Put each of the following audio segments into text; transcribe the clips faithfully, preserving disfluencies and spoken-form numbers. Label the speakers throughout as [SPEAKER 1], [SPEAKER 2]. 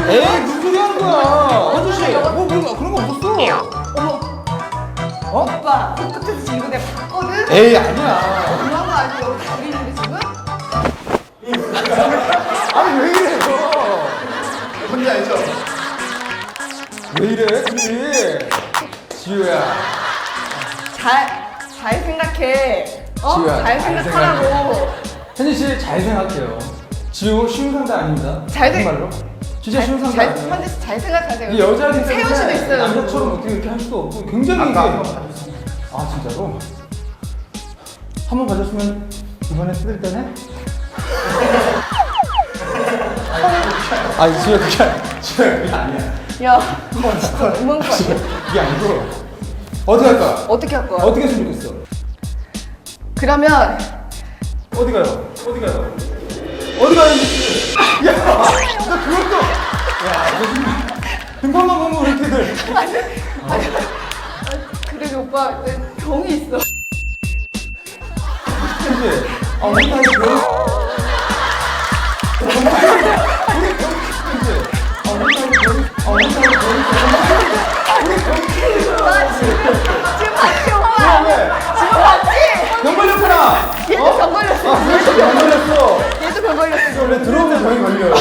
[SPEAKER 1] 에이 무슨 소리 하는 거야? 현주 씨, 뭐 그런 그런 거 없었어.
[SPEAKER 2] 어머.
[SPEAKER 1] 어?
[SPEAKER 2] 오빠 끝에서 지금 이거 내가 봤거든?
[SPEAKER 1] 에이 아니야.
[SPEAKER 2] 그런 거 아니야? 여기 다 있는데 지금?
[SPEAKER 1] 아니 왜 이래 너?
[SPEAKER 3] 뭔지 알죠?
[SPEAKER 1] 왜 이래 둘이? 지우야.
[SPEAKER 2] 잘, 잘 생각해. 어?
[SPEAKER 1] 지우야,
[SPEAKER 2] 잘
[SPEAKER 1] 잘
[SPEAKER 2] 생각하라고.
[SPEAKER 1] 현진 씨 잘 생각해요. 지우 쉬운 상대 아닙니다.
[SPEAKER 2] 잘 생-
[SPEAKER 1] 정말로. 진짜 쉬운 상대
[SPEAKER 2] 잘,
[SPEAKER 1] 아니에요.
[SPEAKER 2] 현재 씨 잘 생각하세요.
[SPEAKER 1] 이 여자들
[SPEAKER 2] 세훈 씨도 있어요.
[SPEAKER 1] 남자처럼 어떻게 이렇게 할 수도 없고 굉장히 이게 아 진짜로? 한 번 봐줬으면 이번에 뜯을 때네? 아니 지효 그게 아니야. 지효 그게 아니야.
[SPEAKER 2] 야, 진짜 너무한 거 아니야?
[SPEAKER 1] 이게 아니고 어디 갈까?
[SPEAKER 2] 어떻게 할 거야?
[SPEAKER 1] 어떻게 했으면 좋겠어?
[SPEAKER 2] 그러면
[SPEAKER 1] 어디 가요? 어디 가요? 어디 가요? 야, 나 그것도 야, 너 지금 등판만 보면 이렇게들
[SPEAKER 2] 그래 오빠 내 병이 있어.
[SPEAKER 1] 그치? 아, 우리 다이 병 우리 병 그치? 아, 우리 다이 병 아, 우리 다이 병 우리 병
[SPEAKER 2] 지금 봤지 오빠?
[SPEAKER 1] 왜?
[SPEAKER 2] 지금 봤지?
[SPEAKER 1] 병 걸렸구나!
[SPEAKER 2] 얘도 병 걸렸어.
[SPEAKER 1] 아, 그래서 병 걸렸어!
[SPEAKER 2] 얘도 병 걸렸어.
[SPEAKER 1] 원래 들어오면 병이 걸려.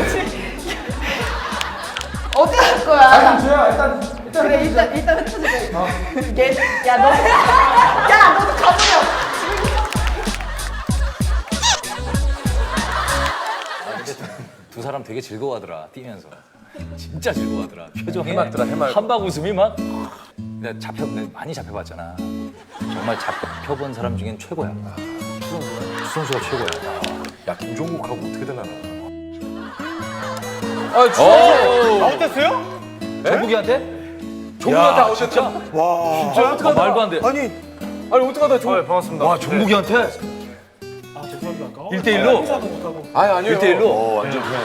[SPEAKER 2] 어떻게 할
[SPEAKER 1] 아,
[SPEAKER 2] 거야?
[SPEAKER 1] 그럼 주야, 일단, 일단.
[SPEAKER 2] 그래
[SPEAKER 1] 해보자.
[SPEAKER 2] 일단 일단 흩어지자.
[SPEAKER 1] 어.
[SPEAKER 2] 얘, 야 너, 야 너도 가버려.
[SPEAKER 4] 두 사람 되게 즐거워하더라 뛰면서 진짜 즐거워하더라 표정이
[SPEAKER 3] 해맑더라, 해맑.
[SPEAKER 4] 한박 웃음이 막 내가 잡혀 내가 많이 잡혀봤잖아 정말 잡혀본 사람 중엔 최고야 추성수가 최고야
[SPEAKER 3] 야 김종국하고 어떻게 되려나?
[SPEAKER 4] 아
[SPEAKER 3] 주성수 아웃됐어요?
[SPEAKER 4] 종국이한테
[SPEAKER 3] 종국한테
[SPEAKER 4] 야,
[SPEAKER 3] 아웃됐다?
[SPEAKER 4] 진짜
[SPEAKER 3] 와
[SPEAKER 4] 진짜 어떡하다 말도 안돼
[SPEAKER 3] 아니 아니 어떡하다 종 반갑습니다.
[SPEAKER 4] 와 종국이한테
[SPEAKER 5] 아 죄송합니다.
[SPEAKER 4] 일 대 일로
[SPEAKER 5] 인사도 못하고.
[SPEAKER 3] 아니 아니요.
[SPEAKER 4] 일 대 일로?
[SPEAKER 3] 어, 완전 그냥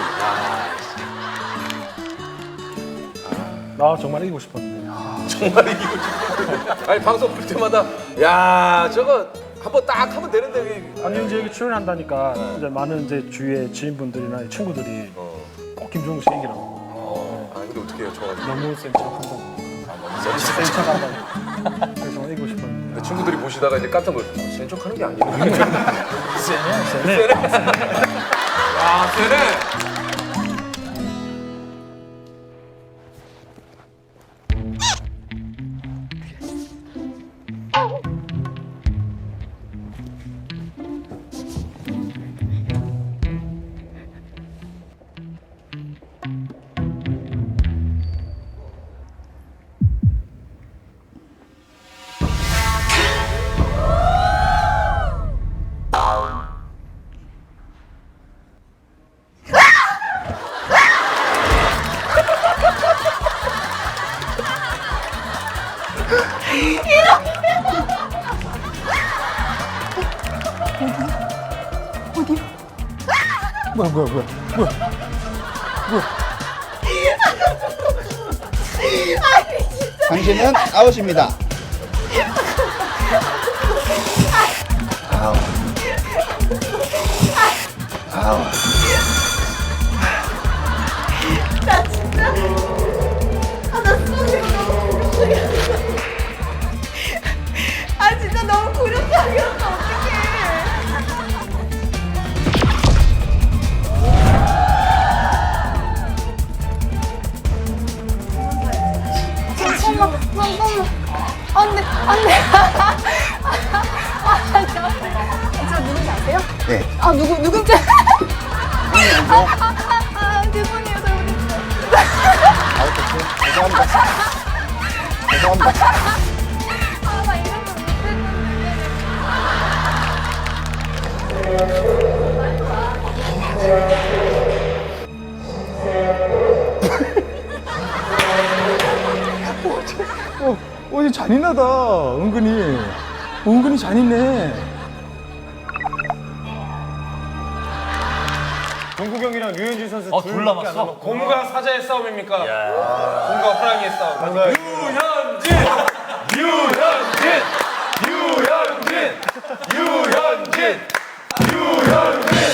[SPEAKER 5] 나 정말 이기고 싶었는데.
[SPEAKER 3] 정말 이기고 싶어. 아니 방송 볼 때마다 야 저거 한번 딱 하면 되는데 이게-
[SPEAKER 5] 아니 이제 여기 출연한다니까 이제 많은 이제 주위의 지인분들이나 친구들이
[SPEAKER 3] 어.
[SPEAKER 5] 꼭 김종국 씨 이기라고.
[SPEAKER 3] 어. 아니 근데 어떻게 해요 저
[SPEAKER 5] 너무 센 척한다고. 센 척한다고. 그래서 정말 이기고 싶었는데.
[SPEAKER 3] 근데 친구들이 보시다가 이제 깜짝 놀랐어. 센 척하는 게 아니네.
[SPEAKER 5] 세네.
[SPEAKER 3] 아 세네.
[SPEAKER 1] 뭐야, 뭐야, 뭐야, 뭐야.
[SPEAKER 6] 당신은 아웃입니다.
[SPEAKER 2] 나 진짜 아나 속이 너무 굴욕적이었어. 아 진짜 너무 굴욕적이었어. 어떡해. 잠깐만 잠깐만 안돼 안돼. 아 저 누군지 아세요?
[SPEAKER 6] 네.
[SPEAKER 2] 아 누구 누군지. 아, 아, 아, 죄송해요 잘못했어요.
[SPEAKER 6] 아웃됐죠? 죄송합니다. 죄송합니다.
[SPEAKER 2] 아, 나 이런 거 못했는데.
[SPEAKER 1] 어, 어, 이거 잔인하다. 은근히. 은근히 잔인해.
[SPEAKER 3] 종국 형이랑 류현진 선수
[SPEAKER 4] 어, 둘 남았어?
[SPEAKER 3] 곰과 사자의 싸움입니까? 곰과 호랑이의 싸움. 유현진! 유현진! 유현진! 유현진! 유현진!